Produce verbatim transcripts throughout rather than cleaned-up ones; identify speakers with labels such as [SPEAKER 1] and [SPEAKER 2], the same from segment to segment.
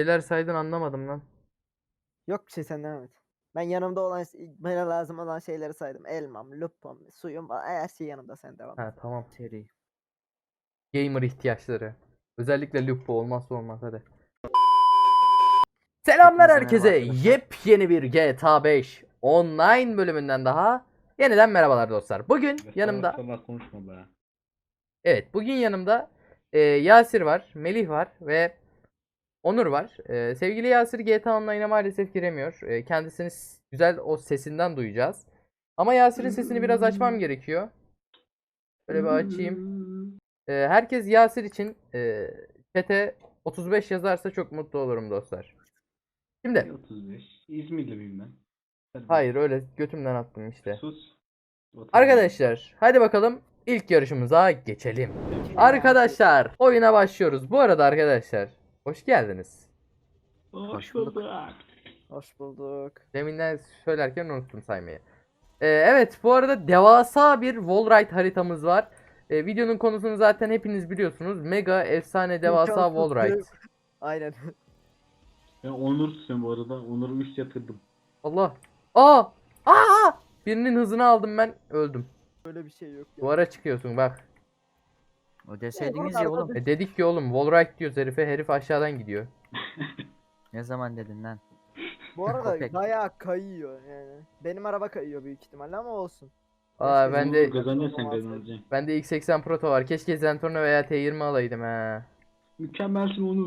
[SPEAKER 1] şeyler saydın anlamadım lan.
[SPEAKER 2] Yok bir şey, sen devam et. Ben yanımda olan, bana lazım olan şeyleri saydım. Elmam, lupam, suyum, her şey yanımda, sen devam et.
[SPEAKER 1] Ha tamam.
[SPEAKER 3] Seri.
[SPEAKER 1] Gamer ihtiyaçları. Özellikle Lupo olmazsa olmaz hadi. Selamlar
[SPEAKER 3] Hepinize
[SPEAKER 1] herkese.
[SPEAKER 3] merhaba arkadaşlar.
[SPEAKER 1] Yepyeni bir G T A beş online bölümünden daha yeniden merhabalar dostlar. Bugün yanımda
[SPEAKER 4] Salak konuşma be.
[SPEAKER 1] evet bugün yanımda e, Yasir var, Melih var ve Onur var. E, sevgili Yasir G T A Online'a maalesef giremiyor. E, kendisini s- güzel o sesinden duyacağız. Ama Yasir'in sesini biraz açmam gerekiyor. Böyle bir açayım. E, herkes Yasir için e, chat'e otuz beş yazarsa çok mutlu olurum dostlar. Şimdi
[SPEAKER 4] otuz beş. İzmirli miyim ben? Hadi
[SPEAKER 1] hayır öyle götümden attım işte.
[SPEAKER 4] Sus. Otuz beş.
[SPEAKER 1] Arkadaşlar hadi bakalım ilk yarışımıza geçelim. Arkadaşlar oyuna başlıyoruz. Bu arada arkadaşlar hoş geldiniz.
[SPEAKER 4] Hoş
[SPEAKER 3] bulduk.
[SPEAKER 4] bulduk.
[SPEAKER 2] Hoş bulduk.
[SPEAKER 1] Deminden söylerken unuttum saymayı. Ee, evet bu arada devasa bir wallride haritamız var. Ee, videonun konusunu zaten hepiniz biliyorsunuz. Mega efsane devasa
[SPEAKER 2] İmkansız
[SPEAKER 1] wallride.
[SPEAKER 2] bir- Aynen.
[SPEAKER 4] Ben Onur tutuyorum bu arada. Onur'u üst yatırdım.
[SPEAKER 1] Allah. Aa! Aa! Birinin hızını aldım ben öldüm.
[SPEAKER 2] Böyle bir şey yok ya.
[SPEAKER 1] Duvara çıkıyorsun bak.
[SPEAKER 3] O deseydiniz
[SPEAKER 2] Oğlum,
[SPEAKER 3] ya oğlum.
[SPEAKER 2] arada
[SPEAKER 1] E dedik ki oğlum wallride diyoruz herife. Herif aşağıdan gidiyor.
[SPEAKER 3] Ne zaman dedin lan?
[SPEAKER 2] Bu arada
[SPEAKER 3] Köpek.
[SPEAKER 2] bayağı kayıyor yani. Benim araba kayıyor büyük ihtimalle ama olsun.
[SPEAKER 1] Aa
[SPEAKER 2] Keşke
[SPEAKER 1] ben
[SPEAKER 4] Onur
[SPEAKER 1] de
[SPEAKER 4] kazanacaksın sen
[SPEAKER 2] olmaz.
[SPEAKER 4] kazanacaksın.
[SPEAKER 1] bende X seksen Proto var. Keşke Zentorno veya T yirmi alaydım ha.
[SPEAKER 4] Mükemmelsin Onur.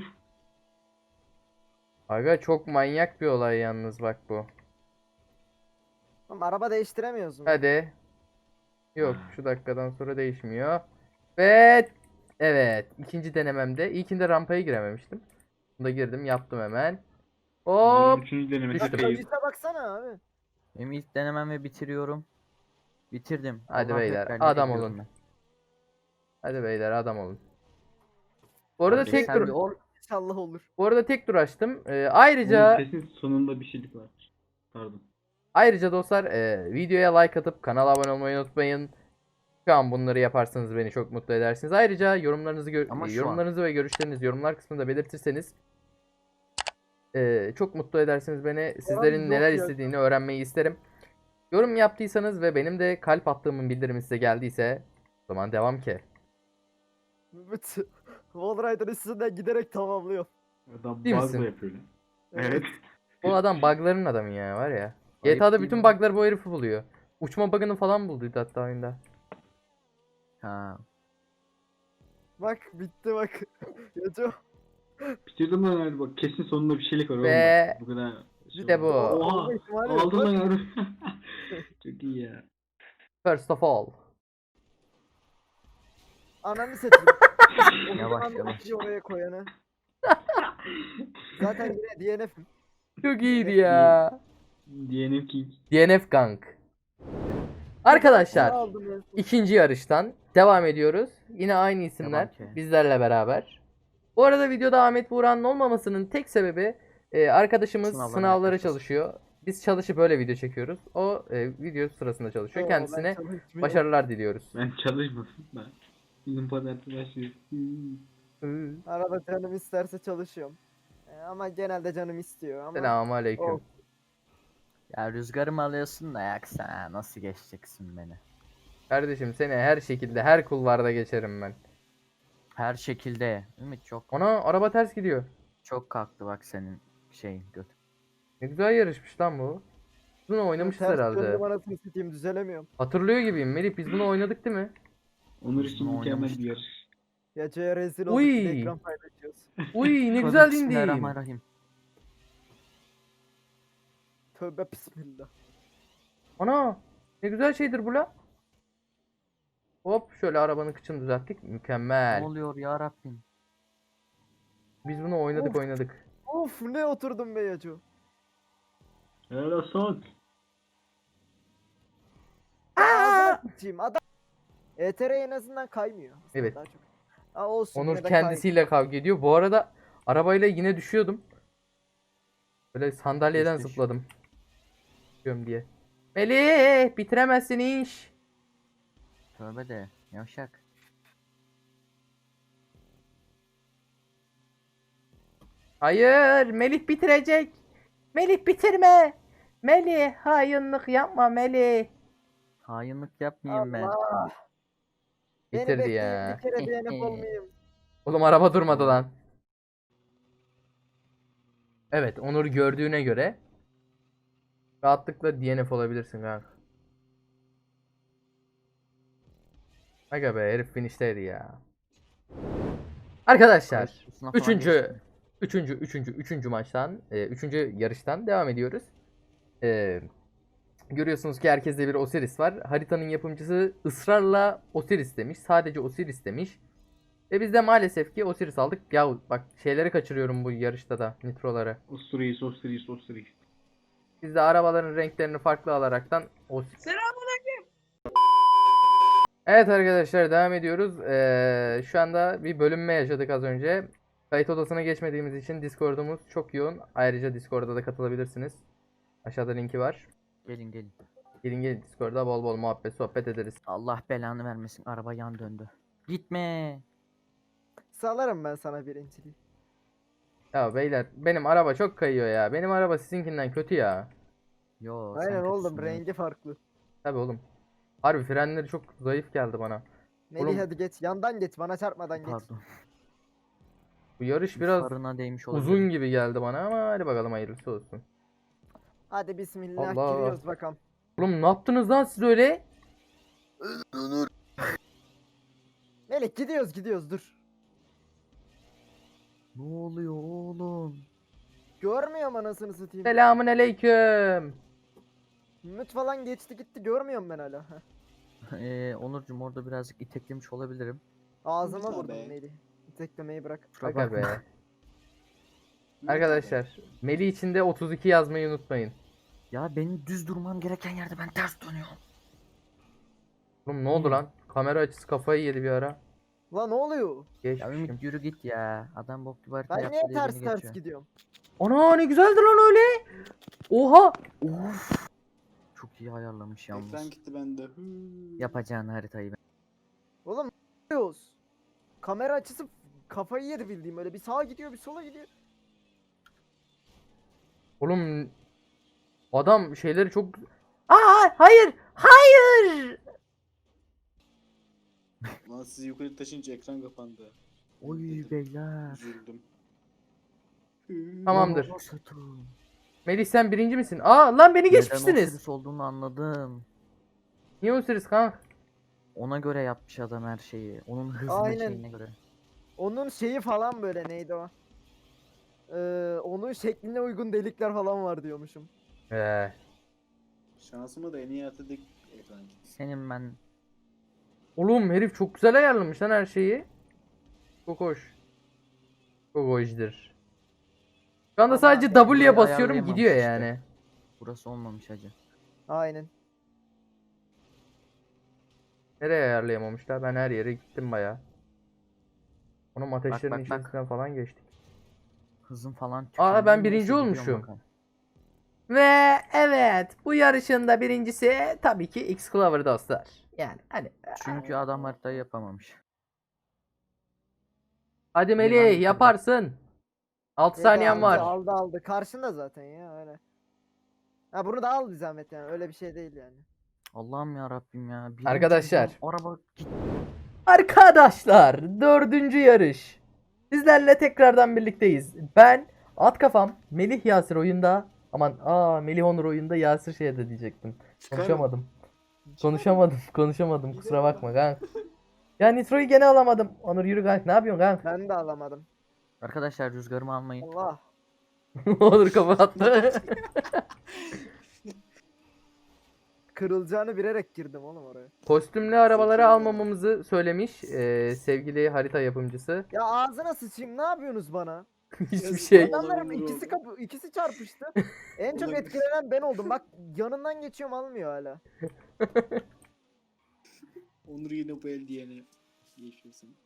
[SPEAKER 1] Aga çok manyak bir olay yalnız bak bu.
[SPEAKER 2] Oğlum, araba değiştiremiyoruz mu?
[SPEAKER 1] Hadi. Yok şu dakikadan sonra değişmiyor. Ve evet ikinci denememde. İlkinde rampaya girememiştim. Bunda girdim yaptım hemen.
[SPEAKER 4] Onur'un
[SPEAKER 1] Hop.
[SPEAKER 4] üçüncü denemesi
[SPEAKER 1] düştüm.
[SPEAKER 4] kayıp.
[SPEAKER 2] Kayışa baksana abi.
[SPEAKER 3] Benim ilk denemem ve bitiriyorum. Bitirdim.
[SPEAKER 1] Hadi
[SPEAKER 3] Allah'ım
[SPEAKER 1] beyler,
[SPEAKER 3] tekrar nereye
[SPEAKER 1] adam
[SPEAKER 3] gidiyorum
[SPEAKER 1] olun.
[SPEAKER 3] ben?
[SPEAKER 1] Hadi beyler adam olun. Bu arada
[SPEAKER 4] Hadi.
[SPEAKER 1] tek
[SPEAKER 3] Sen bir
[SPEAKER 1] tur
[SPEAKER 3] ol.
[SPEAKER 2] İnşallah olur.
[SPEAKER 1] bu arada tek tur açtım. Ee,
[SPEAKER 4] Onur
[SPEAKER 1] ayrıca
[SPEAKER 4] kesin sonunda bir şeylik var. Pardon.
[SPEAKER 1] ayrıca dostlar e, videoya like atıp kanala abone olmayı unutmayın. Şu an bunları yaparsanız beni çok mutlu edersiniz. Ayrıca yorumlarınızı gö-
[SPEAKER 3] Ama
[SPEAKER 1] e,
[SPEAKER 3] şu
[SPEAKER 1] yorumlarınızı ve görüşlerinizi yorumlar kısmında belirtirseniz e, çok mutlu edersiniz beni. Sizlerin
[SPEAKER 2] yok
[SPEAKER 1] neler
[SPEAKER 2] ya.
[SPEAKER 1] istediğini öğrenmeyi isterim. Yorum yaptıysanız ve benim de kalp attığımın bildirimi size geldiyse o zaman devam ki.
[SPEAKER 2] Wallrider'ın üstünden giderek tamamlıyor.
[SPEAKER 4] Adam
[SPEAKER 1] Değil
[SPEAKER 4] bug'la
[SPEAKER 1] misin?
[SPEAKER 4] yapıyor lan. Evet.
[SPEAKER 1] Bu adam bug'ların adamı ya var ya.
[SPEAKER 3] Ayıp
[SPEAKER 1] G T A'da
[SPEAKER 3] değil
[SPEAKER 1] bütün
[SPEAKER 3] mi?
[SPEAKER 1] bug'ları bu herifi buluyor. Uçma bug'ını falan bulduydu hatta oyunda.
[SPEAKER 3] Ha.
[SPEAKER 2] Bak bitti bak. Yacu.
[SPEAKER 4] Bitirdim lan hadi bak kesin sonunda bir şeylik var
[SPEAKER 1] Ve
[SPEAKER 4] oğlum. Bu kadar.
[SPEAKER 1] işte bu.
[SPEAKER 4] Oha.
[SPEAKER 2] Olma ihtimali yok.
[SPEAKER 4] Aldın lan
[SPEAKER 2] Bak,
[SPEAKER 4] yavrum. Çok iyi ya.
[SPEAKER 1] First of all.
[SPEAKER 2] Ananı satayım.
[SPEAKER 3] Yavaş,
[SPEAKER 2] Ananı
[SPEAKER 3] yavaş.
[SPEAKER 2] satayım oraya koyanı. Zaten yine D N F'im.
[SPEAKER 1] Çok iyiydi ya.
[SPEAKER 4] Diyelim ki
[SPEAKER 1] D N F Gang. Arkadaşlar
[SPEAKER 2] Aldım en son.
[SPEAKER 1] ikinci yarıştan devam ediyoruz. Yine aynı isimler
[SPEAKER 3] Devam ki.
[SPEAKER 1] bizlerle beraber. Bu arada videoda Ahmet Buğra'nın olmamasının tek sebebi e, arkadaşımız
[SPEAKER 3] Sınavlara
[SPEAKER 1] sınavlara
[SPEAKER 3] yaklaşması.
[SPEAKER 1] çalışıyor. Biz çalışıp böyle video çekiyoruz. O e, video sırasında çalışıyor.
[SPEAKER 2] Oo, ben
[SPEAKER 1] Kendisine
[SPEAKER 2] çalışmıyorum.
[SPEAKER 1] başarılar diliyoruz.
[SPEAKER 4] ben çalışmadım ben. Bizim pazartesi başlıyor. Hmm.
[SPEAKER 2] Arada canım isterse çalışıyorum. Ee, ama genelde canım istiyor ama.
[SPEAKER 1] Selamun aleyküm.
[SPEAKER 2] Oh.
[SPEAKER 3] Ya rüzgarımı alıyorsun da yaksa nasıl geçeceksin beni?
[SPEAKER 1] Kardeşim seni her şekilde her kulvarda geçerim ben.
[SPEAKER 3] Her şekilde. Ümit çok
[SPEAKER 1] Ona araba ters gidiyor.
[SPEAKER 3] çok kalktı bak senin şeyin göt.
[SPEAKER 1] Ne güzel yarışmış lan bu. Biz bunu oynamışız
[SPEAKER 2] Ters
[SPEAKER 1] herhalde.
[SPEAKER 2] döndüm, anasını satayım, düzelemiyorum.
[SPEAKER 1] Hatırlıyor gibiyim Melih, biz bunu oynadık değil mi?
[SPEAKER 4] Onur
[SPEAKER 3] Biz
[SPEAKER 4] için
[SPEAKER 3] bunu
[SPEAKER 4] mükemmel
[SPEAKER 3] oynamıştık.
[SPEAKER 4] bir yarış.
[SPEAKER 2] Yacu'ya rezil olduk,
[SPEAKER 1] Uy.
[SPEAKER 2] bir de ekran paylaşıyoruz.
[SPEAKER 1] Uy ne
[SPEAKER 3] Tövbe
[SPEAKER 1] güzel indim.
[SPEAKER 3] Bismillahirrahmanirrahim.
[SPEAKER 2] Tövbe bismillah.
[SPEAKER 1] Ana ne güzel şeydir bu la. Hop şöyle arabanın kıçını düzelttik.
[SPEAKER 3] Ne
[SPEAKER 1] Mükemmel.
[SPEAKER 3] oluyor ya Rabbim?
[SPEAKER 1] Biz bunu oynadık
[SPEAKER 2] Of.
[SPEAKER 1] oynadık.
[SPEAKER 2] Of ne oturdum be Yacu.
[SPEAKER 4] Helal olsun.
[SPEAKER 2] Ağzına sıçayım adam. E T R en azından kaymıyor. Aslında
[SPEAKER 1] Evet.
[SPEAKER 2] daha çok. Aa, olsun,
[SPEAKER 1] Onur
[SPEAKER 2] yine de
[SPEAKER 1] kendisiyle kavga ediyor. Bu arada arabayla yine düşüyordum. Böyle sandalyeden
[SPEAKER 3] Düş, düş.
[SPEAKER 1] zıpladım. Düşüyorum diye. Melih bitiremezsin iş.
[SPEAKER 3] Tövbe de yavşak.
[SPEAKER 1] Hayır, Melih bitirecek. Melih bitirme. Melih, hainlik yapma Melih.
[SPEAKER 3] Hainlik yapmayayım ben.
[SPEAKER 2] Allah. Beni
[SPEAKER 1] Bitirdi
[SPEAKER 2] bekleyin
[SPEAKER 1] ya.
[SPEAKER 2] bir kere D N F olmayayım.
[SPEAKER 1] Oğlum araba durmadı lan. Evet, Onur gördüğüne göre rahatlıkla D N F olabilirsin kanka. Aga be, herif finishteydi ya. Arkadaşlar,
[SPEAKER 3] Kayıt kursuna falan
[SPEAKER 1] üçüncü,
[SPEAKER 3] geçtim.
[SPEAKER 1] üçüncü, üçüncü, üçüncü maçtan, e, üçüncü yarıştan devam ediyoruz. E, görüyorsunuz ki herkeste bir Osiris var. Haritanın yapımcısı ısrarla Osiris demiş. Sadece Osiris demiş. Ve biz de maalesef ki Osiris aldık. Ya bak şeyleri kaçırıyorum bu yarışta da, nitroları.
[SPEAKER 4] Osiris, Osiris, Osiris.
[SPEAKER 1] Biz de arabaların renklerini farklı alaraktan Osiris. Evet arkadaşlar, devam ediyoruz. Ee, şu anda bir bölünme yaşadık az önce. Kayıt odasına geçmediğimiz için Discord'umuz çok yoğun. Ayrıca Discord'a da katılabilirsiniz. Aşağıda linki var.
[SPEAKER 3] Gelin gelin.
[SPEAKER 1] Gelin gelin Discord'a bol bol muhabbet sohbet ederiz.
[SPEAKER 3] Allah belanı vermesin. Araba yan döndü. Gitme.
[SPEAKER 2] Salarım ben sana birinciliği.
[SPEAKER 1] Ya beyler, benim araba çok kayıyor ya. Benim araba sizinkinden kötü ya.
[SPEAKER 3] Yo sen
[SPEAKER 2] Aynen oğlum
[SPEAKER 3] kötüsün ya.
[SPEAKER 2] rengi farklı.
[SPEAKER 1] Tabii oğlum. Harbi frenleri çok zayıf geldi bana.
[SPEAKER 2] Melih
[SPEAKER 1] Oğlum-
[SPEAKER 2] hadi geç yandan geç bana çarpmadan geç.
[SPEAKER 3] Pardon.
[SPEAKER 1] Bu yarış biraz
[SPEAKER 3] Farına değmiş olabilir.
[SPEAKER 1] uzun gibi geldi bana ama hadi bakalım hayırlısı olsun.
[SPEAKER 2] Hadi bismillah
[SPEAKER 1] Allah.
[SPEAKER 2] giriyoruz bakalım.
[SPEAKER 1] Oğlum ne yaptınız lan siz öyle?
[SPEAKER 2] Melih gidiyoruz gidiyoruz dur.
[SPEAKER 3] Ne oluyor oğlum?
[SPEAKER 2] Görmüyorum anasını satayım.
[SPEAKER 1] Selamun aleyküm.
[SPEAKER 2] Ümit falan geçti gitti görmüyorum ben hala. Heh.
[SPEAKER 3] Ee, Onurcuğum orada birazcık iteklemiş olabilirim.
[SPEAKER 2] Ağzıma
[SPEAKER 5] Lütfen
[SPEAKER 2] vurdum
[SPEAKER 5] be.
[SPEAKER 2] Melih. Teklemeyi bırak.
[SPEAKER 3] Kusura
[SPEAKER 1] Aga
[SPEAKER 3] bakma.
[SPEAKER 1] be. Arkadaşlar, Melih için de otuz iki yazmayı unutmayın.
[SPEAKER 3] Ya benim düz durmam gereken yerde ben ters dönüyorum.
[SPEAKER 1] Oğlum ne oldu
[SPEAKER 3] Hı.
[SPEAKER 1] lan? Kamera açısı kafayı yedi bir ara.
[SPEAKER 2] Lan ne oluyor?
[SPEAKER 3] Ya
[SPEAKER 1] Geçmişim.
[SPEAKER 3] Ümit yürü git ya. Adam bok gibi harita
[SPEAKER 2] Ben
[SPEAKER 3] yaptı
[SPEAKER 2] niye
[SPEAKER 3] diye
[SPEAKER 2] ters
[SPEAKER 3] beni
[SPEAKER 2] ters
[SPEAKER 3] geçiyor.
[SPEAKER 2] gidiyorum?
[SPEAKER 1] Ana ne güzeldi lan öyle. Oha.
[SPEAKER 3] Of. Çok iyi ayarlamış
[SPEAKER 5] Ekran
[SPEAKER 3] yalnız.
[SPEAKER 5] gitti bende. Hıı.
[SPEAKER 3] Yapacağın haritayı ben.
[SPEAKER 2] Oğlum ne yapıyoruz? Kamera açısı kafayı yedi bildiğim öyle bir sağa gidiyor bir sola gidiyor.
[SPEAKER 1] Oğlum adam şeyleri çok... Aa hayır. Hayır.
[SPEAKER 5] Lan sizi yukarı taşınca ekran kapandı.
[SPEAKER 3] Oy
[SPEAKER 5] Dedim,
[SPEAKER 3] beyler.
[SPEAKER 5] Üzüldüm. Hıı.
[SPEAKER 1] Tamamdır.
[SPEAKER 3] Ulan o satın.
[SPEAKER 1] Melih sen birinci misin? Aa lan beni
[SPEAKER 3] Neden
[SPEAKER 1] geçmişsiniz.
[SPEAKER 3] Osiris olduğunu anladım.
[SPEAKER 1] Niye Osiris kanka?
[SPEAKER 3] Ona göre yapmış adam her şeyi. Onun hızına
[SPEAKER 2] Aynen.
[SPEAKER 3] şeyine göre.
[SPEAKER 2] Onun şeyi falan böyle neydi o? Ee, onun şekline uygun delikler falan var diyormuşum.
[SPEAKER 1] Ee,
[SPEAKER 5] Şansıma da en iyi atladık ekran gitti.
[SPEAKER 3] Senin ben
[SPEAKER 1] oğlum herif çok güzel ayarlamış lan her şeyi. Çok hoş. Çok hoşdur. Şu anda
[SPEAKER 2] Ama
[SPEAKER 1] sadece
[SPEAKER 3] burayı
[SPEAKER 1] W'ye basıyorum
[SPEAKER 3] ayarlayamamış
[SPEAKER 1] gidiyor
[SPEAKER 3] işte.
[SPEAKER 1] yani.
[SPEAKER 3] burası olmamış hacı.
[SPEAKER 2] Aynen.
[SPEAKER 1] Nereye ayarlayamamışlar? Ben her yere gittim baya. Onun ateşlerin
[SPEAKER 3] bak, bak.
[SPEAKER 1] içerisinden falan geçtik.
[SPEAKER 3] Hızın falan
[SPEAKER 1] Aa,
[SPEAKER 3] tükendi.
[SPEAKER 1] ben
[SPEAKER 3] Neyse,
[SPEAKER 1] birinci
[SPEAKER 3] gidiyorum
[SPEAKER 1] olmuşum.
[SPEAKER 3] bakalım.
[SPEAKER 1] Ve evet bu yarışın da birincisi tabii ki X Clover dostlar. Yani hani
[SPEAKER 3] Çünkü adam haritayı yapamamış.
[SPEAKER 1] hadi
[SPEAKER 3] ben
[SPEAKER 1] Melih
[SPEAKER 3] bitirdim.
[SPEAKER 1] yaparsın. altı saniyen
[SPEAKER 2] aldı,
[SPEAKER 1] var.
[SPEAKER 2] Aldı aldı. Karşında zaten ya öyle. Ha bunu da al bir zahmet yani. Öyle bir şey değil yani.
[SPEAKER 3] Allah'ım ya Rabbim ya. Birinci
[SPEAKER 1] Arkadaşlar.
[SPEAKER 3] gidiyorum, Araba git.
[SPEAKER 1] Arkadaşlar dördüncü yarış. Sizlerle tekrardan birlikteyiz. Ben At Kafam, Melih Yasir oyunda. Aman aa Melih Onur oyunda, Yasir şeyde diyecektim.
[SPEAKER 5] Çıkar-
[SPEAKER 1] Konuşamadım.
[SPEAKER 5] çıkar-
[SPEAKER 1] Konuşamadım. Konuşamadım. Kusura bakma kanka. Ya Nitro'yu gene alamadım. Onur yürü kanka. Ne yapıyorsun kanka?
[SPEAKER 2] Ben de alamadım.
[SPEAKER 3] Arkadaşlar rüzgarımı almayın.
[SPEAKER 2] Allah.
[SPEAKER 1] Onur kapattı.
[SPEAKER 2] Kırılacağını bilerek girdim oğlum oraya.
[SPEAKER 1] Kostümlü arabaları almamamızı söylemiş ee, sevgili harita yapımcısı.
[SPEAKER 2] Ya ağzına sıçayım ne yapıyorsunuz bana?
[SPEAKER 1] Hiçbir şey.
[SPEAKER 2] Adamların
[SPEAKER 5] Olabilir
[SPEAKER 2] ikisi
[SPEAKER 5] oldu.
[SPEAKER 2] kapı ikisi çarpıştı. En çok
[SPEAKER 5] Olabilir.
[SPEAKER 2] etkilenen ben oldum. Bak yanından geçiyorum almıyor hala.
[SPEAKER 5] Onur yine bu el diyene. Geçiyorsun.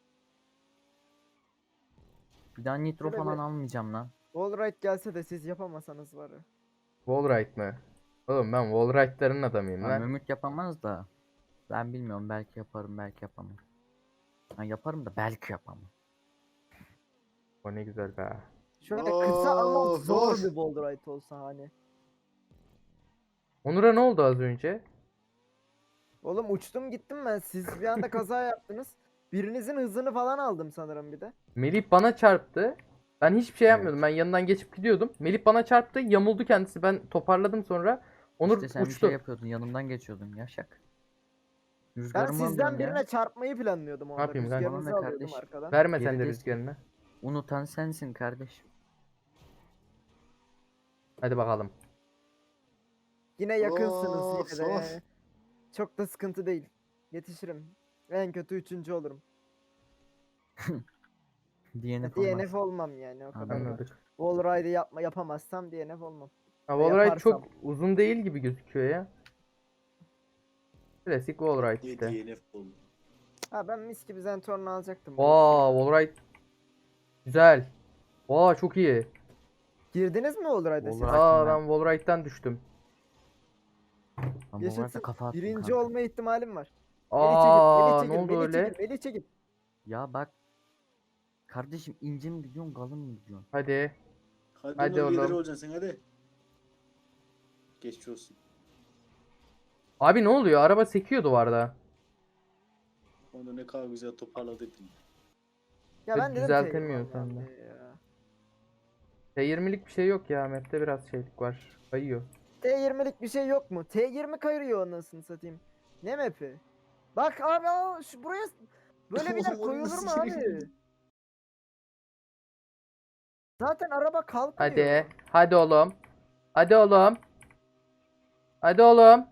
[SPEAKER 3] Bir daha nitro
[SPEAKER 2] Şöyle
[SPEAKER 3] falan
[SPEAKER 2] bir-
[SPEAKER 3] almayacağım lan.
[SPEAKER 2] Wallride gelse de siz yapamasanız var ya.
[SPEAKER 1] Wallride mı? Oğlum ben Wallride'ların adamıyım
[SPEAKER 3] Ha,
[SPEAKER 1] lan.
[SPEAKER 3] Mehmet yapamaz da. Ben bilmiyorum, belki yaparım belki yapamam. Ha, yaparım da belki yapamam.
[SPEAKER 1] O ne güzel be.
[SPEAKER 2] Şöyle kısa ama
[SPEAKER 5] Of,
[SPEAKER 2] zor
[SPEAKER 5] of.
[SPEAKER 2] bir Wallride olsa hani.
[SPEAKER 1] Onur'a ne oldu az önce?
[SPEAKER 2] Oğlum uçtum gittim ben. Siz bir anda kaza yaptınız. Birinizin hızını falan aldım sanırım bir de.
[SPEAKER 1] Melih bana çarptı. Ben hiçbir şey yapmıyordum.
[SPEAKER 3] Evet.
[SPEAKER 1] Ben yanından geçip gidiyordum. Melih bana çarptı. Yamuldu kendisi. Ben toparladım sonra. Onur
[SPEAKER 3] İşte sen bir
[SPEAKER 1] uçtu.
[SPEAKER 3] şey yapıyordun, yanımdan geçiyordun Yaşak.
[SPEAKER 2] Ben
[SPEAKER 3] Rüzgarımı
[SPEAKER 2] sizden
[SPEAKER 3] alıyorsun
[SPEAKER 2] birine
[SPEAKER 3] ya.
[SPEAKER 2] çarpmayı planlıyordum orada.
[SPEAKER 1] yapayım kanka?
[SPEAKER 2] Rüzgarınızı
[SPEAKER 3] Tamam be
[SPEAKER 2] alıyordum
[SPEAKER 3] kardeş.
[SPEAKER 2] arkadan.
[SPEAKER 1] Verme sen de
[SPEAKER 3] Geridesin.
[SPEAKER 1] rüzgarını.
[SPEAKER 3] Unutan sensin kardeş.
[SPEAKER 1] Hadi bakalım.
[SPEAKER 2] Yine yakınsınız
[SPEAKER 5] Of,
[SPEAKER 2] yine de.
[SPEAKER 5] of.
[SPEAKER 2] yani. Çok da sıkıntı değil. Yetişirim. En kötü üçüncü olurum.
[SPEAKER 3] D N F
[SPEAKER 2] D N
[SPEAKER 3] olmaz.
[SPEAKER 2] F olmam yani o kadar. da.
[SPEAKER 1] Anladık.
[SPEAKER 2] Wallride'ı yapma yapamazsam D N F olmam.
[SPEAKER 1] Ha,
[SPEAKER 2] Ya
[SPEAKER 1] Wallride
[SPEAKER 2] yaparsam.
[SPEAKER 1] çok uzun değil gibi gözüküyor ya. Klasik Wallride
[SPEAKER 5] Diye
[SPEAKER 1] işte.
[SPEAKER 5] D N F oldu.
[SPEAKER 2] Ha ben mis gibi Zentorn'u alacaktım. bu
[SPEAKER 1] Vaa Wallride. Güzel. Vaa çok iyi.
[SPEAKER 2] işe. Girdiniz mi Wallride'a siz?
[SPEAKER 3] Wallride.
[SPEAKER 1] Aa
[SPEAKER 3] ben.
[SPEAKER 1] ben Wallride'den düştüm.
[SPEAKER 3] Ben bu
[SPEAKER 2] Yaşasın.
[SPEAKER 3] arada kafa attım
[SPEAKER 2] Birinci
[SPEAKER 3] kanka.
[SPEAKER 2] olma ihtimalim var.
[SPEAKER 1] Aa
[SPEAKER 2] Melih
[SPEAKER 1] ne
[SPEAKER 2] çekil,
[SPEAKER 1] oldu
[SPEAKER 2] Melih
[SPEAKER 1] öyle?
[SPEAKER 2] çekil, Melih çekil.
[SPEAKER 3] Ya bak. Kardeşim ince mi gidiyorsun, kalın mı gidiyorsun?
[SPEAKER 1] Hadi.
[SPEAKER 5] Hadi,
[SPEAKER 1] Hadi
[SPEAKER 5] Onur lideri
[SPEAKER 1] oğlum.
[SPEAKER 5] olacaksın sen hadi. Geçmiş olsun.
[SPEAKER 1] Abi ne oluyor? Araba sekiyor duvarda.
[SPEAKER 5] Onu ne kadar güzel toparladık.
[SPEAKER 2] Ya
[SPEAKER 1] Ve
[SPEAKER 2] ben dedim
[SPEAKER 1] düzeltemiyor
[SPEAKER 2] T
[SPEAKER 1] sen de.
[SPEAKER 2] yirmi ya.
[SPEAKER 1] T yirmilik bir şey yok ya. Map'te biraz şeylik var. Kayıyor.
[SPEAKER 2] T yirmilik bir şey yok mu? T yirmi kayıyor anasını satayım. Ne map'i? Bak abi aa, şu buraya böyle bir yer
[SPEAKER 5] Oğlum,
[SPEAKER 2] koyulur mu
[SPEAKER 5] nasıl
[SPEAKER 2] abi?
[SPEAKER 5] şey?
[SPEAKER 2] Zaten araba kalkmıyor.
[SPEAKER 1] Hadi. Hadi oğlum. Hadi oğlum. Hadi oğlum.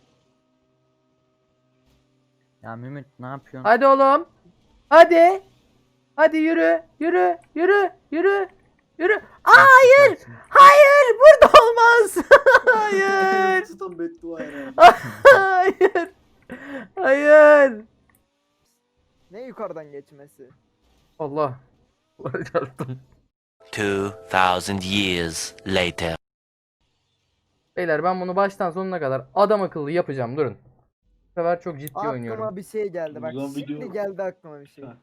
[SPEAKER 3] Ya Mehmet ne yapıyorsun?
[SPEAKER 1] Hadi oğlum. Hadi. Hadi yürü. Yürü. Yürü. Yürü. Yürü. Hayır.
[SPEAKER 3] Süpersin.
[SPEAKER 1] Hayır. Burada olmaz. Hayır.
[SPEAKER 5] Tutan beddua herhalde.
[SPEAKER 1] Hayır. Hayır.
[SPEAKER 2] Ne yukarıdan geçmesi?
[SPEAKER 1] Allah. Allah çarptım.
[SPEAKER 6] Two thousand years later.
[SPEAKER 1] Beyler ben bunu baştan sonuna kadar adam akıllı yapacağım. Durun. Bu sefer çok ciddi
[SPEAKER 2] Aklıma
[SPEAKER 1] oynuyorum.
[SPEAKER 2] bir şey geldi bak.
[SPEAKER 4] Ulan
[SPEAKER 2] Şimdi
[SPEAKER 4] video-
[SPEAKER 2] geldi aklıma bir şey.
[SPEAKER 4] Saat.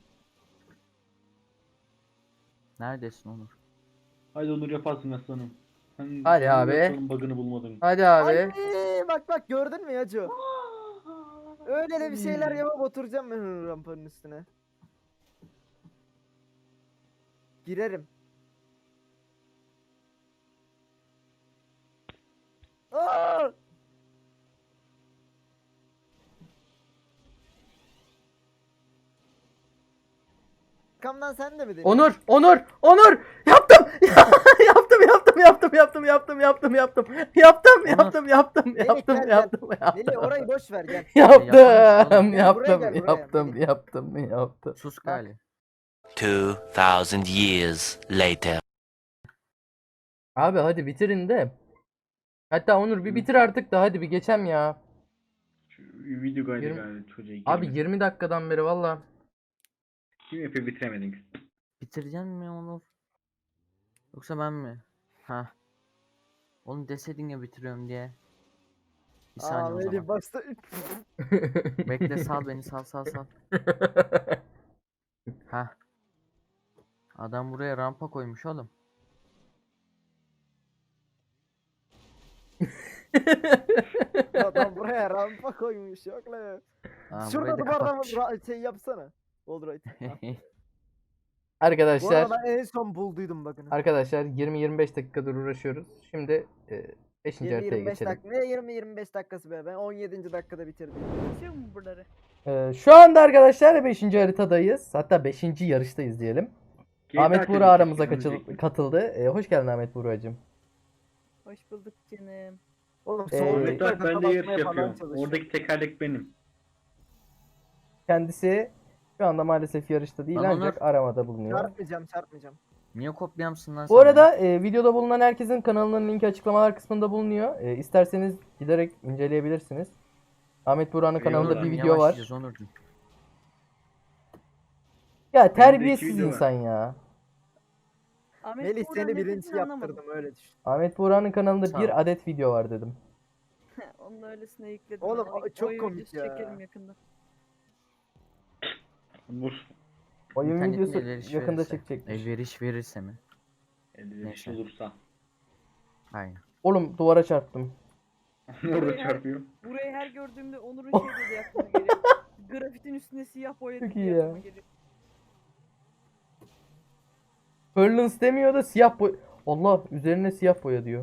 [SPEAKER 3] Neredesin Onur?
[SPEAKER 4] Haydi Onur yaparsın aslanım. Sen
[SPEAKER 1] Hadi
[SPEAKER 4] Onur
[SPEAKER 1] abi.
[SPEAKER 4] yapmanın bug'ını bulmadın.
[SPEAKER 1] Hadi abi.
[SPEAKER 2] Ay, bak bak gördün mü Yacu? Öyle de bir şeyler yapıp oturacağım ben rampanın üstüne. Girerim. Aa! Arkamdan sen de mi deniyorsun?
[SPEAKER 1] Onur, Onur, Onur. Yaptım. yaptım, yaptım, yaptım, yaptım, yaptım, yaptım, yaptım. Yaptım,
[SPEAKER 3] Onur.
[SPEAKER 1] yaptım, yaptım,
[SPEAKER 2] Melih,
[SPEAKER 1] yaptım,
[SPEAKER 2] gel, gel.
[SPEAKER 1] yaptım,
[SPEAKER 2] Melih
[SPEAKER 1] yaptım.
[SPEAKER 2] orayı boş ver gel.
[SPEAKER 1] Yaptım,
[SPEAKER 3] Yapamamış
[SPEAKER 2] Gel buraya,
[SPEAKER 1] yaptım,
[SPEAKER 2] gel buraya,
[SPEAKER 1] yaptım,
[SPEAKER 2] Melih.
[SPEAKER 1] yaptım, yaptım.
[SPEAKER 3] Sus gali.
[SPEAKER 6] Two thousand years later.
[SPEAKER 1] Abi hadi bitirin de. Hatta Onur bir bitir artık da hadi bir geçem ya.
[SPEAKER 4] Şu video kaydı
[SPEAKER 1] Yirmi-
[SPEAKER 4] galiba çocuğa.
[SPEAKER 1] Abi
[SPEAKER 4] girmedi.
[SPEAKER 1] yirmi dakikadan beri valla.
[SPEAKER 4] Kim yapıyor bitiremedin.
[SPEAKER 3] Bitireceksin mi Onur? Yoksa ben mi? Ha. Oğlum deseydin ya bitiriyorum diye. Bir
[SPEAKER 2] Aa
[SPEAKER 3] saniye o
[SPEAKER 2] Melih
[SPEAKER 3] zaman.
[SPEAKER 2] başta.
[SPEAKER 3] Bekle sal beni sal sal sal. Ha. Adam buraya rampa koymuş oğlum.
[SPEAKER 2] Adam buraya rampa koymuş yok lan.
[SPEAKER 3] Aa,
[SPEAKER 2] Şurada
[SPEAKER 3] burayı da
[SPEAKER 2] duvardan
[SPEAKER 3] kapatmış.
[SPEAKER 2] ra- şey yapsana. Wallride. Ha. Bu
[SPEAKER 1] Arkadaşlar,
[SPEAKER 2] arada ben en son bulduydum bakın.
[SPEAKER 1] arkadaşlar yirmi yirmi beş dakikadır uğraşıyoruz. Şimdi beşinci
[SPEAKER 2] yirmi
[SPEAKER 1] haritaya
[SPEAKER 2] yirmi beş
[SPEAKER 1] geçelim.
[SPEAKER 2] dakika. Ne yirmi yirmi beş dakikası be? Ben on yedinci dakikada bitirdim.
[SPEAKER 7] Geçiyor mu buraları?
[SPEAKER 1] Ee, şu anda arkadaşlar beşinci haritadayız. Hatta beşinci yarıştayız diyelim.
[SPEAKER 4] G T A
[SPEAKER 1] Ahmet
[SPEAKER 4] çekmiş,
[SPEAKER 1] Buğra aramıza
[SPEAKER 4] onu
[SPEAKER 1] kaçıl-
[SPEAKER 4] çekmiş.
[SPEAKER 1] katıldı. Ee, hoş geldin Ahmet Buğra'cığım.
[SPEAKER 7] Hoş bulduk canım.
[SPEAKER 2] Oğlum
[SPEAKER 1] Ee,
[SPEAKER 2] sol
[SPEAKER 4] Ahmet bak ben de yarış
[SPEAKER 2] basmaya falan
[SPEAKER 4] yapıyorum.
[SPEAKER 2] çalışıyor.
[SPEAKER 4] Oradaki tekerlek benim.
[SPEAKER 1] Kendisi şu anda maalesef yarışta değil
[SPEAKER 3] Lan
[SPEAKER 1] ancak
[SPEAKER 3] Onur.
[SPEAKER 1] aramada bulunuyor.
[SPEAKER 2] Çarpmayacağım çarpmayacağım.
[SPEAKER 3] Niye kopyamsın lan
[SPEAKER 1] Bu
[SPEAKER 3] sen
[SPEAKER 1] arada
[SPEAKER 3] ya?
[SPEAKER 1] e, videoda bulunan herkesin kanalının linki açıklamalar kısmında bulunuyor. E, isterseniz giderek inceleyebilirsiniz. Ahmet Buğra'nın kanalında
[SPEAKER 4] Eyvallah.
[SPEAKER 1] bir
[SPEAKER 3] Oğlum,
[SPEAKER 1] video var.
[SPEAKER 3] yavaş yürü Onurcuğum.
[SPEAKER 1] Ya terbiyesiz
[SPEAKER 4] video var.
[SPEAKER 1] insan ya.
[SPEAKER 7] Ahmet
[SPEAKER 2] Melih
[SPEAKER 7] Buğra
[SPEAKER 2] seni
[SPEAKER 7] ne
[SPEAKER 2] birinci
[SPEAKER 7] dediğini anlamadım.
[SPEAKER 2] yaptırdım öyle düşün.
[SPEAKER 1] Ahmet Buğra'nın kanalında
[SPEAKER 3] Sağ
[SPEAKER 1] bir
[SPEAKER 3] ol.
[SPEAKER 1] adet video var dedim.
[SPEAKER 7] Onun öylesine yükledim.
[SPEAKER 2] Oğlum,
[SPEAKER 7] ben. O-
[SPEAKER 2] o çok
[SPEAKER 7] oyun
[SPEAKER 2] komik
[SPEAKER 7] videosu
[SPEAKER 2] ya.
[SPEAKER 7] Çekelim yakında.
[SPEAKER 4] Onur.
[SPEAKER 1] Oyun
[SPEAKER 3] İnternetin
[SPEAKER 1] videosu
[SPEAKER 3] elverişi
[SPEAKER 1] yakında
[SPEAKER 3] verirse.
[SPEAKER 1] çekecekmiş.
[SPEAKER 3] Elveriş verirse mi?
[SPEAKER 4] Elverişli
[SPEAKER 3] Neyse.
[SPEAKER 4] olursa.
[SPEAKER 3] Aynen.
[SPEAKER 1] Oğlum duvara çarptım.
[SPEAKER 4] Orada çarpıyor.
[SPEAKER 7] Burayı her gördüğümde Onur'un şey dedi aklıma geliyor. Grafitin üstüne siyah boya
[SPEAKER 1] Çok
[SPEAKER 7] dediği
[SPEAKER 1] iyi ya.
[SPEAKER 7] aklıma geliyor.
[SPEAKER 1] Furlans demiyor da siyah boy... Allah üzerine siyah boya diyor.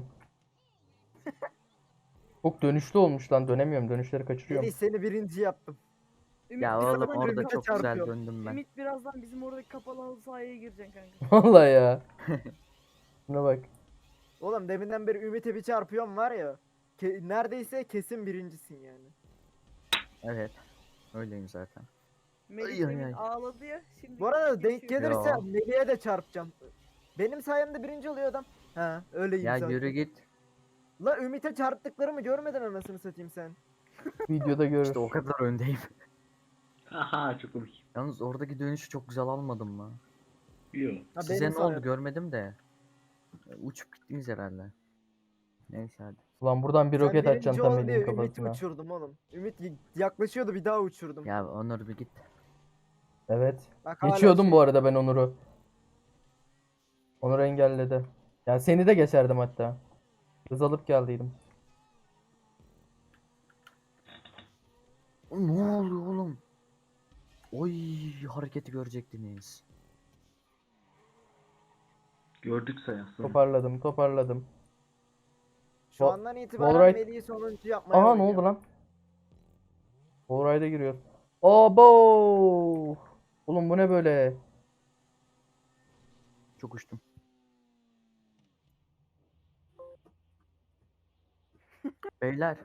[SPEAKER 1] Çok dönüşlü olmuş lan, dönemiyorum, dönüşleri kaçırıyorum.
[SPEAKER 2] Melih seni birinci yaptım.
[SPEAKER 7] Ümit
[SPEAKER 3] Ya
[SPEAKER 7] birazdan
[SPEAKER 3] oğlum orada
[SPEAKER 2] birbirine
[SPEAKER 3] çok güzel
[SPEAKER 2] çarpıyor.
[SPEAKER 3] döndüm ben.
[SPEAKER 7] Ümit birazdan bizim oradaki kapalı halı sahaya gireceksin kanka.
[SPEAKER 1] Vallahi ya. Şuna bak.
[SPEAKER 2] Oğlum deminden beri Ümit'e bir çarpıyorum var ya. Ke- neredeyse kesin birincisin yani.
[SPEAKER 3] Evet. Öyleyim zaten.
[SPEAKER 7] Melih
[SPEAKER 3] Ay, ay,
[SPEAKER 7] demin
[SPEAKER 3] ay.
[SPEAKER 7] ağladı ya. Şimdi
[SPEAKER 2] Bu arada denk
[SPEAKER 7] geçiyor.
[SPEAKER 2] gelirse
[SPEAKER 3] Ya.
[SPEAKER 2] Melih'e de çarpacağım. Benim sayemde birinci oluyor adam. Ha öyleyim
[SPEAKER 3] Ya
[SPEAKER 2] zaten.
[SPEAKER 3] yürü git.
[SPEAKER 2] La Ümit'e çarptıklarımı görmedin anasını satayım sen.
[SPEAKER 1] Videoda görür.
[SPEAKER 3] İşte o kadar öndeyim.
[SPEAKER 4] Aha çok komik.
[SPEAKER 3] Yalnız oradaki dönüşü çok güzel almadım mı?
[SPEAKER 4] Yok.
[SPEAKER 2] Ha,
[SPEAKER 3] Size
[SPEAKER 2] benim
[SPEAKER 3] ne oldu
[SPEAKER 2] sayemde.
[SPEAKER 3] görmedim de. E, Uçup gittiniz herhalde. Neyse hadi.
[SPEAKER 1] Ulan buradan bir
[SPEAKER 2] Sen
[SPEAKER 1] roket
[SPEAKER 2] birinci
[SPEAKER 1] atacaksın tam
[SPEAKER 2] ol
[SPEAKER 1] elin
[SPEAKER 2] diye Ümit'i
[SPEAKER 1] kafasına.
[SPEAKER 2] uçurdum oğlum. Ümit y- yaklaşıyordu bir daha uçurdum.
[SPEAKER 3] Ya Onur bir git.
[SPEAKER 1] Evet.
[SPEAKER 2] Bak hala
[SPEAKER 1] Geçiyordum
[SPEAKER 2] şey-
[SPEAKER 1] bu arada ben Onur'u. Onur engelledi. Yani seni de geçerdim hatta. Hız alıp geldiydim.
[SPEAKER 3] O ne oluyor oğlum? Oy hareketi görecektiniz.
[SPEAKER 4] Gördük sayasın.
[SPEAKER 1] Toparladım, toparladım.
[SPEAKER 2] Şu
[SPEAKER 1] Wall-
[SPEAKER 2] andan itibaren
[SPEAKER 1] Wallride-
[SPEAKER 2] Melih'i sonuncu yapmaya
[SPEAKER 1] Aha ne
[SPEAKER 2] oynuyorum.
[SPEAKER 1] oldu lan? Wallride'e giriyor. Abo! Oğlum bu ne böyle?
[SPEAKER 3] Çok uçtum. Beyler,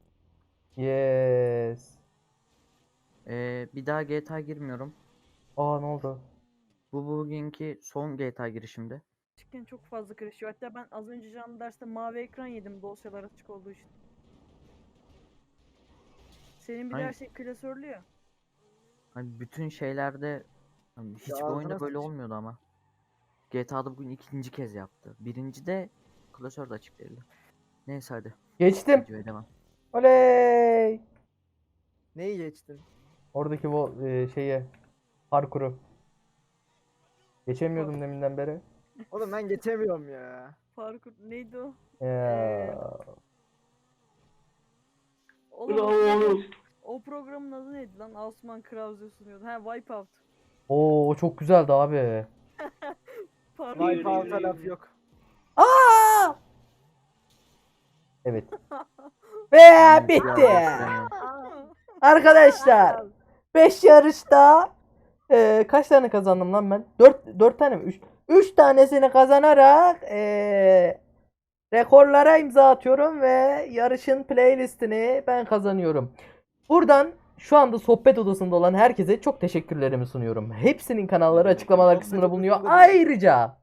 [SPEAKER 1] Yes.
[SPEAKER 3] eee, bir daha G T A girmiyorum.
[SPEAKER 1] Aa ne oldu?
[SPEAKER 3] Bu bugünkü son G T A girişimdi.
[SPEAKER 7] Küçükken çok fazla karışıyor. Hatta ben az önce canlı derste mavi ekran yedim dosyalar açık olduğu için. Senin bir de her
[SPEAKER 3] Aynen.
[SPEAKER 7] şey klasörlü ya.
[SPEAKER 3] Hani bütün şeylerde hani hiçbir
[SPEAKER 2] ağzına
[SPEAKER 3] oyunda böyle
[SPEAKER 2] sıç.
[SPEAKER 3] olmuyordu ama. G T A'da bugün ikinci kez yaptı. Birinci de klasör de açık değildi. Neyse hadi.
[SPEAKER 1] Geçtim.
[SPEAKER 3] Videoya devam.
[SPEAKER 1] Oley!
[SPEAKER 2] Neyi geçtin?
[SPEAKER 1] Oradaki bu e, şeye parkuru. Geçemiyordum deminden beri.
[SPEAKER 2] Oğlum ben geçemiyorum ya.
[SPEAKER 7] Parkur neydi o?
[SPEAKER 1] Ya.
[SPEAKER 7] Oğlum,
[SPEAKER 4] Bravo.
[SPEAKER 7] o programın adı neydi lan? Osman Krause sunuyordu. Ha Wipeout.
[SPEAKER 1] Oo o çok güzeldi abi.
[SPEAKER 7] Parkur.
[SPEAKER 2] Wipeout'a laf yok.
[SPEAKER 1] Aa! Evet. Ve
[SPEAKER 3] Ben
[SPEAKER 1] bitti.
[SPEAKER 3] bir daha gösteremiyorum.
[SPEAKER 1] Arkadaşlar beş yarışta e, kaç tane kazandım lan ben? dört dört tane mi? üç üç tanesini kazanarak e, rekorlara imza atıyorum ve yarışın playlistini ben kazanıyorum. Buradan şu anda sohbet odasında olan herkese çok teşekkürlerimi sunuyorum. Hepsinin kanalları açıklamalar kısmında bulunuyor. Ayrıca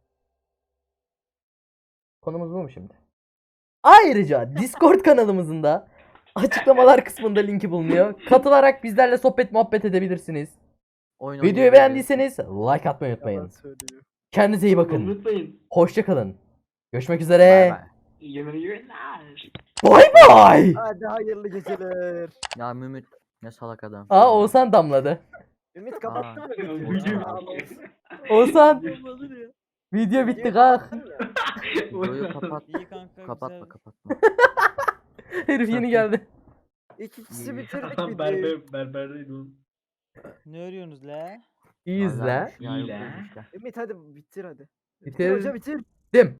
[SPEAKER 1] konumuz bu mu şimdi? Ayrıca Discord kanalımızın da açıklamalar kısmında linki bulunuyor. Katılarak bizlerle sohbet muhabbet edebilirsiniz.
[SPEAKER 3] Oyun
[SPEAKER 1] Videoyu
[SPEAKER 3] oynayabiliriz.
[SPEAKER 1] beğendiyseniz like atmayı
[SPEAKER 2] Yalan
[SPEAKER 1] unutmayın.
[SPEAKER 2] söylüyor.
[SPEAKER 1] Kendinize iyi bakın.
[SPEAKER 4] Unutmayın.
[SPEAKER 1] Hoşça kalın. Görüşmek
[SPEAKER 3] Bay
[SPEAKER 1] üzere.
[SPEAKER 3] bay.
[SPEAKER 4] Yemin günler.
[SPEAKER 1] Bay bay.
[SPEAKER 2] Hadi hayırlı geceler.
[SPEAKER 3] Ya Mümit ne salak adam.
[SPEAKER 1] Aa Oğuzhan damladı.
[SPEAKER 2] Ümit kapattın
[SPEAKER 3] Aa.
[SPEAKER 2] mı? videoyu?
[SPEAKER 4] Video
[SPEAKER 2] Aa,
[SPEAKER 1] Oğuzhan
[SPEAKER 7] Olmadı ya.
[SPEAKER 1] video bitti
[SPEAKER 2] videoyu
[SPEAKER 1] kalk.
[SPEAKER 2] kapattın mı?
[SPEAKER 3] Videoyu kapat.
[SPEAKER 8] İyi kanka
[SPEAKER 3] Kapatma
[SPEAKER 8] güzel.
[SPEAKER 3] kapatma.
[SPEAKER 1] Herif yeni geldi.
[SPEAKER 2] İkisi bitirdik videoyu.
[SPEAKER 4] Berber, berberdeydi oğlum.
[SPEAKER 8] Ne örüyorsunuz la?
[SPEAKER 1] İyi izle.
[SPEAKER 3] Vallahi ya,
[SPEAKER 4] İyi
[SPEAKER 3] yok
[SPEAKER 4] lan.
[SPEAKER 3] öyle işte.
[SPEAKER 2] Ümit hadi bitir hadi. Bitir
[SPEAKER 1] Bitir.
[SPEAKER 2] hoca bitir.
[SPEAKER 1] Dim.